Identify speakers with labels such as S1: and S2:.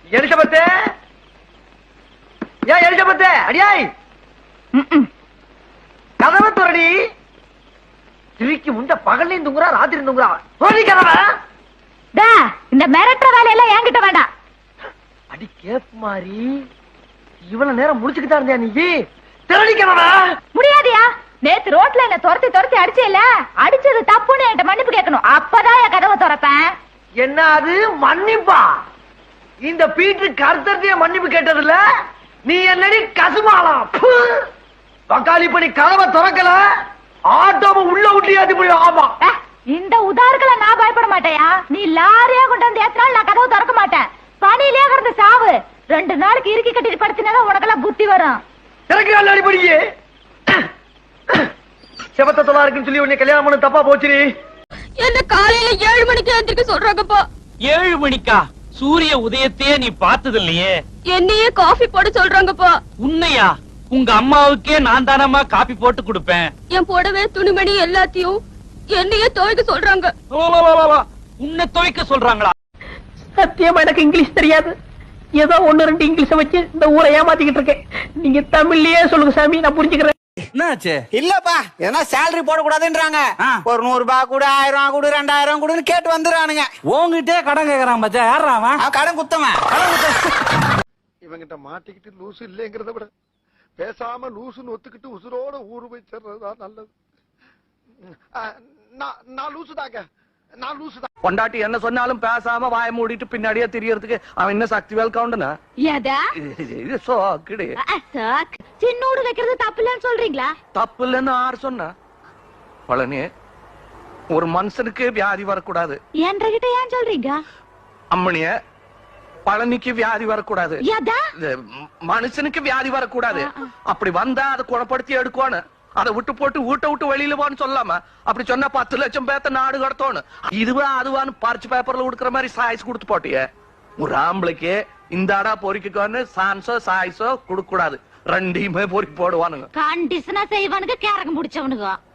S1: Elizabeth ஏன் Elizabeth அடியாய் கதவை துறடி. திருக்கி முண்ட பகல்லையும் தூங்குறா ராத்திரி தூங்குறா. துறடி கதவை.
S2: இந்த மிரட்டுற வேலையெல்லாம் என்கிட்ட வேண்டாம்.
S1: அடி கேப் மாதிரி இவ்வளவு நேரம் முடிச்சுக்கிட்டா இருந்தியா நீ? திருடி கதவை.
S2: முடியாதியா? நேத்து ரோட்ல என்ன துரத்தி துரத்தி அடிச்சேல, அடிச்சது தப்புன்னு என்கிட்ட மன்னிப்பு கேட்கணும். அப்பதான் என் கதவை திறப்பேன்.
S1: என்ன அது மன்னிப்பா? இந்த பீட்டு கருத்தத்தைய மன்னிப்பு கேட்டதில்ல. நீ என்னடி கசுமாலாம் பக்காளி பண்ணி கதவை திறக்கல, ஆட்டோவை உள்ள விட்டியாதி முடியும். ஆமா,
S2: இந்த உதாரணங்களை நான் பயப்பட மாட்டேயா? நீ லாரியா கொண்டு வந்து ஏத்தினாலும் நான் கதவை திறக்க மாட்டேன். பணியிலே கிடந்த சாவு 2 நாளைக்கு இறுக்கி கட்டிட்டு படுத்தினாதான் உனக்கெல்லாம் புத்தி வரும்.
S1: திறக்க அடிப்படியே செவத்த தொலா இருக்குன்னு சொல்லி உன்னை கல்யாணம் பண்ண தப்பா போச்சுரி.
S3: என்ன காலையில 7 மணிக்கு எந்திரிக்க சொல்றாங்கப்பா.
S4: 7 மணிக்கா? சூரிய உதயத்தையே நீ பார்த்தது இல்லையே.
S3: என்னையே காஃபி போட சொல்றாங்கப்பா.
S4: உன்னையா? உங்க அம்மாவுக்கே நான் தானம்மா காபி போட்டு கொடுப்பேன்.
S3: என் புடவை துணிமணி எல்லாத்தையும் என்னையே துவைக்க சொல்றாங்க.
S4: உன்னை துவைக்க சொல்றாங்களா?
S5: சத்தியமா எனக்கு இங்கிலீஷ் தெரியாது. ஏதோ 1-2 இங்கிலீஷ வச்சு இந்த ஊரை ஏமாத்திக்கிட்டு இருக்கேன். நீங்க தமிழ்லயே சொல்லுங்க சாமி, நான் புரிஞ்சுக்கிறேன்.
S6: என்னாச்சு?
S7: இல்லப்பா, ஏன்னா சேலரி போட கூடாதுன்றாங்க. ஒரு 100 ரூபாய் கூட 1000 கூட 2000 கூடன்னு கேட்டு வந்துறானுங்க.
S6: உங்ககிட்டே கடன் கேக்குறான் மச்சா. யாரா அவன்?
S7: கடன் குத்தவன்.
S8: இவங்கிட்ட மாட்டிக்கிட்டு லூசு இல்லைங்கிறத விட பேசாம லூசுன்னு ஒத்துக்கிட்டு உசுரோட ஊரு போய் சேர்றதுதான் நல்லது. நான் லூசுதாங்க, நான் லூசுதான்.
S1: பொண்டாட்டி என்ன சொன்னாலும் பேசாம வாய மூடிட்டு பின்னாடியே தெரியறதுக்கு அவன் என்ன சக்தி வேல் கவுண்டனா? இது சோக்கிடு.
S2: சின்னோடு வைக்கிறது தப்பு இல்லன்னு சொல்றீங்களா?
S1: தப்பு இல்லன்னு யார் சொன்னா? பழனி, ஒரு மனுஷனுக்கு வியாதி வரக்கூடாது.
S2: என்கிட்ட ஏன் சொல்றீங்க?
S1: அம்மனிய, பழனிக்கு வியாதி வரக்கூடாது. மனுஷனுக்கு வியாதி வரக்கூடாது. அப்படி வந்தா அதை குணப்படுத்தி எடுக்கணும். அதை விட்டு போட்டு வீட்டை விட்டு வெளியில போன்னு சொல்லாம அப்படி சொன்னா 10 லட்சம் பேத்த நாடு கடத்தோன்னு இதுவா அதுவான்னு பறிச்சு பேப்பர்ல கொடுக்குற மாதிரி சாய்ஸ் கொடுத்து போட்டிய. ஒரு ஆம்பளைக்கு இந்த அடா பொறிக்கோன்னு சான்ஸோ சாய்ஸோ கொடுக்க கூடாது. 2யுமே பொறிக்கு போடுவானுங்க.
S2: கண்டிஷனா செய்வானுங்க, கேரகம் முடிச்சவனுங்க.